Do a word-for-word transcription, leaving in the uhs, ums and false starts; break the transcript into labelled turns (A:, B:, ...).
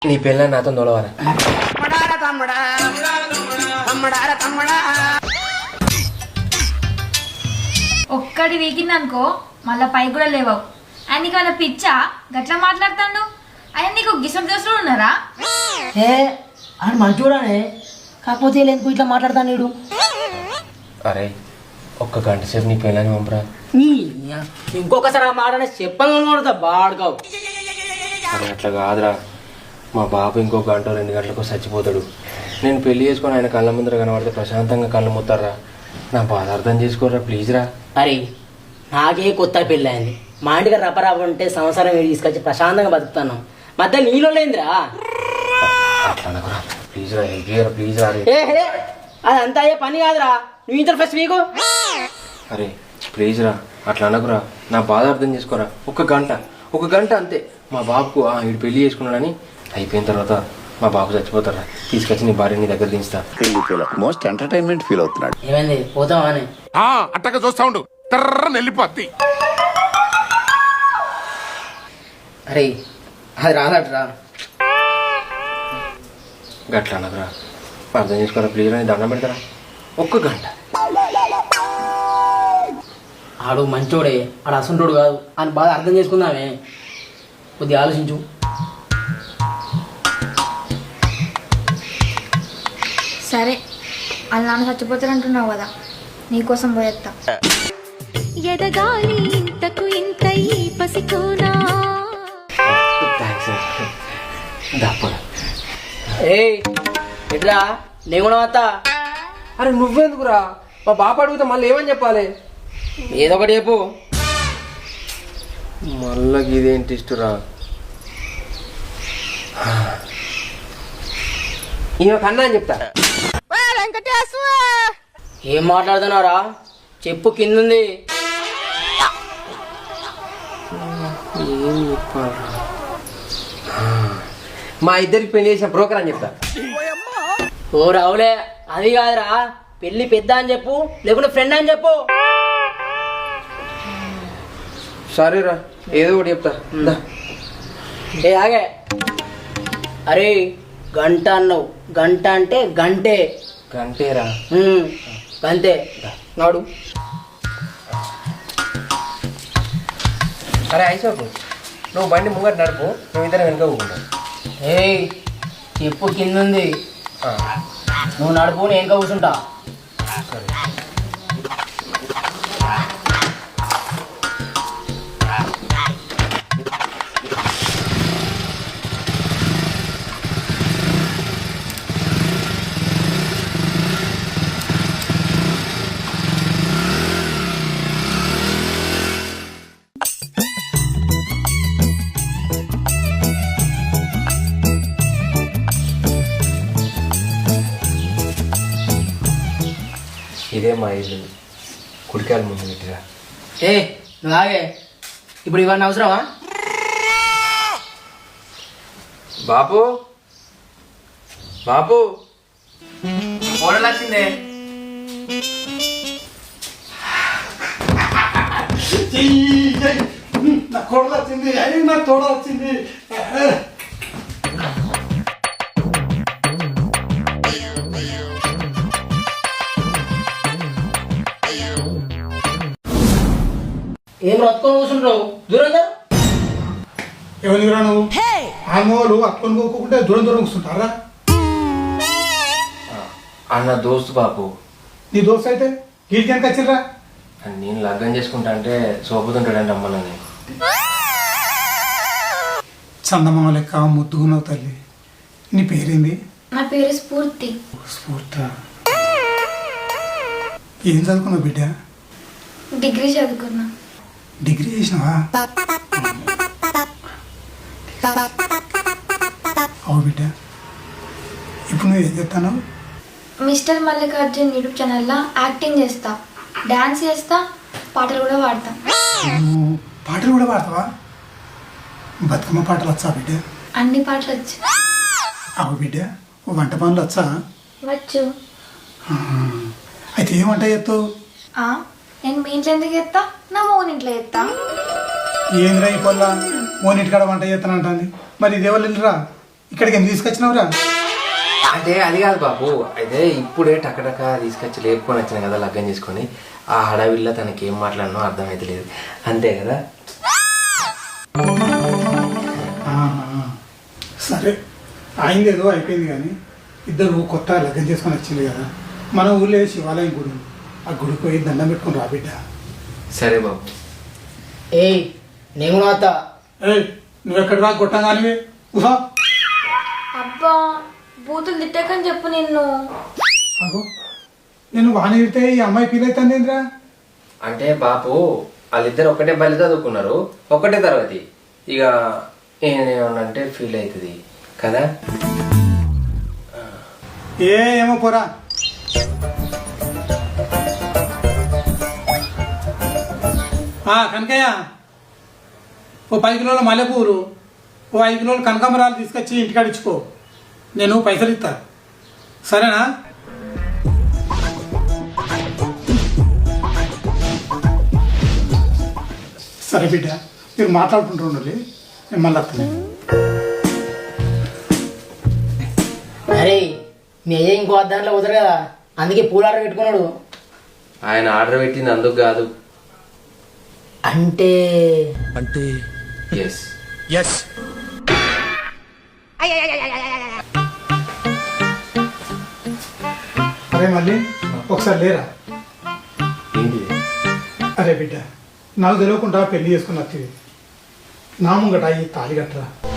A: నీ పెళ్ళ నాతో దొలవారా?
B: ఒక్కడి వీకిందనుకో మళ్ళా పై కూడా లేవావు. ఆయన నీకు ఏమైనా పిచ్చా గట్లా మాట్లాడుతాడు? ఆయన నీకు గిసం దోస్తులు ఉన్నారా?
C: ఏ ఆడు మంచోడానే, కాకపోతే ఎందుకు ఇట్లా మాట్లాడతాను నీడు?
A: అరే ఒక్క గంట సేపు నీ పెళ్ళని పంపరా.
C: ఇంకొకసారి ఆ మాట చెప్పను బాడుకావు.
A: అరే అట్లా కాదురా, మా బాబు ఇంకో గంట రెండు గంటలకు చచ్చిపోతాడు. నేను పెళ్లి చేసుకొని ఆయన కళ్ళ ముందర కనబడితే ప్రశాంతంగా కళ్ళు ముత్తారా. నా బాధ అర్థం చేసుకోరా ప్లీజ్ రా.
C: అరే నాకే కొత్త పెళ్ళి అయింది, మా ఇంటికి రపరాప ఉంటే సంవత్సరం తీసుకొచ్చి ప్రశాంతంగా బతుకుతాను. మధ్య నీళ్ళు లేదురా.
A: అట్లా అనకురా ప్లీజ్ రా, హెల్ప్ ప్లీజ్ రా.
C: అదంతా అయ్యే పని కాదురా, నువ్వు ఇంటర్ ఫస్ట్ వీకు.
A: అరే ప్లీజ్ రా అట్లా అనకురా, నా బాధ అర్థం చేసుకోరా. ఒక గంట ఒక గంట అంతే. మా బాబుకు వీడు పెళ్లి చేసుకున్నాడని అయిపోయిన తర్వాత మా బాబు చచ్చిపోతారా. తీసుకొచ్చి నీ భార్య నీ దగ్గర దించుతా.
D: మోస్ట్ ఎంటర్టైన్మెంట్ ఫీల్ అవుతున్నాడు.
C: ఏమైంది పోతావా అని?
E: అట్టగా చూస్తా ఉండు, తర్రని వెళ్ళిపోద్ది.
C: అరే అది రాదట్రా.
A: గట్లా అనకురా, అర్థం చేసుకోరా ప్లీజ్ రా. నీ దండం పెడతారా. ఒక్క గంట.
C: ఆడు మంచోడే, ఆడు అసంటోడు కాదు అని బాగా అర్థం చేసుకుందామే. కొద్దిగా ఆలోచించు.
B: సరే వాళ్ళ నాన్న చచ్చిపోతారంటున్నావు కదా, నీకోసం పోయేస్తా.
F: ఎదగాలి ఇంతకు ఇంత ఈ పసికోనా.
C: ఏ ఎట్లా నేను కూడా వస్తా.
A: అరే నువ్వెందుకురా, మా బాబు అడిగితే మళ్ళీ ఏమని చెప్పాలి?
C: ఏదో ఒకటి చెప్పు.
A: మళ్ళీ ఇదేంటి ఇష్టరా? ఈమె కన్నా అని చెప్తా.
C: ఏం మాట్లాడుతున్నారా చెప్పు, కిందుంది.
A: ఏం చెప్పాలి? మా ఇద్దరికి పెళ్లి చేసిన బ్రోకర్ అని చెప్తా.
C: ఓ రావులే, అది కాదురా, పెళ్లి పెద్ద అని చెప్పు, లేకుంటే ఫ్రెండ్ అని చెప్పు.
A: సరేరా ఏదో ఒకటి చెప్తా.
C: ఏ ఆగే. అరే గంట అన్నావు, గంట అంటే గంటే.
A: గంటేరా?
C: గంటే నాడు.
A: అరే ఐసోపు, నువ్వు బండి ముంగట నడుపు, నువ్వు ఇద్దరు వెనుక కూకుంటావు.
C: ఏయ్ చెప్పు కిందుంది. నువ్వు నడుపు, నేను ఇంకా కూర్చుంటా.
A: ఇదే మా ఇల్లు, కుడికాయలు ముందు పెట్టిరా.
C: ఏ నువ్వు ఆగే, ఇప్పుడు ఇవన్నీ అవసరమా?
A: బాపు బాపు కోడలు వచ్చిందే.
G: నా కోడలు వచ్చింది, అయ్యి నా తోడ వచ్చింది.
C: ఏం రొత్తుకొని కూర్చుంటావు? దూరంగా
G: ఎవరిరా నువ్వు? ఆమోలు అక్కని పోకుంటే దూరం దూరం కూర్చుంటారా?
A: అన్న దోస్తు బాపు.
G: నీ దోస్తు అయితే గీడికి ఎంత వచ్చిర్రా?
A: నేను లగ్గం చేసుకుంటా అంటే సోపుతుంటాడంటే అమ్మలని.
G: చందమామ లెక్క ముద్దుగున్నావు తల్లి. నీ పేరేంది?
B: నా పేరు స్ఫూర్తి.
G: స్ఫూర్త. ఏం చదువుకున్నావు బిడ్డ?
B: డిగ్రీ చదువుకున్నా.
G: డిగ్రీ చేసినావా? అవు బిడ్డ, ఇప్పుడు నువ్వు ఏం చెప్తాను?
B: మిస్టర్ మల్లికార్జున్ యూట్యూబ్ ఛానల్లో యాక్టింగ్ చేస్తా, డాన్స్ చేస్తా, పాటలు కూడా పాడతా.
G: నువ్వు పాటలు కూడా పాడతావా? బతుకమ్మ పాటలు వచ్చా బిడ్డ?
B: అన్ని పాటలు వచ్చు.
G: అవు బిడ్డ, వంట పనులు వచ్చా?
B: వచ్చు.
G: అయితే ఏం వంట చేస్తావు?
B: నేను మీ ఇంట్లో ఎందుకు చేస్తా, నా మోన్ ఇంట్లో చేస్తా.
G: ఏంద్రా ఈ పొల్ల మోనిటికాడ వంట చేస్తానంటుంది, మరి ఇది ఎవరు వెళ్ళరా? ఇక్కడికి ఎందుకు తీసుకొచ్చినావురా?
A: అంటే అది కాదు బాబు, అయితే ఇప్పుడే టకటక తీసుకొచ్చి లేపుకొని వచ్చిన కదా లగ్గం చేసుకొని, ఆ హడావిల్లో తనకి ఏం మాట్లాడినో అర్థమైతే లేదు, అంతే కదా.
G: ఆహా. సరే అయింది ఏదో అయిపోయింది కానీ ఇద్దరు కొత్త లగ్గం చేసుకొని వచ్చింది కదా, మన ఊళ్ళో శివాలయం గుడి ఉంది. ఆ గుడికి పోయి దండం పెట్టుకొని రా బిడ్డ.
A: సరే బాబు.
C: ఏయ్ నేను కూడా వస్తా.
G: ఏయ్ నువ్వెక్కడ రా కొట్టంగానివి ఊహా.
B: అబ్బా బూతులు తిట్టకని చెప్పు నిన్ను.
G: అగో నేను వాణి తిడితే ఈ అమ్మాయి ఫీల్ అవుతుంది ఏంద్రా?
A: అంటే బాపు వాళ్ళిద్దరు ఒకటే బలి చదువుకున్నారు, ఒకటే తరగతి, ఇక ఏమన్నంటే ఫీల్ అవుతుంది కదా.
G: ఏ ఏమో పోరా. కనకయ్య ఓ పది కిలోల మల్లెపూలు, ఓ ఐదు కిలోల కనకాంబరాలు తీసుకొచ్చి ఇంటికాడ ఇచ్చుకో, నేను పైసలు ఇస్తా, సరేనా? సరే బిడ్డ, మీరు మాట్లాడుకుంటూ ఉండాలి, నేను మళ్ళీ వస్తాను.
C: అరే మీ అయ్య ఇంకో అద్దాంట్లో కుదరు కదా, అందుకే పూలు ఆర్డర్ పెట్టుకున్నాడు.
A: ఆయన ఆర్డర్ పెట్టింది అందుకు కాదు.
C: అంటే
A: ఎస్
E: ఎస్
G: అరే మళ్ళీ ఒకసారి లేరా?
A: ఏంటి?
G: అరే బిడ్డ నాకు తెలియకుండా పెళ్లి చేసుకుని వచ్చింది, నా ముంగట ఈ తాళి కట్టరా.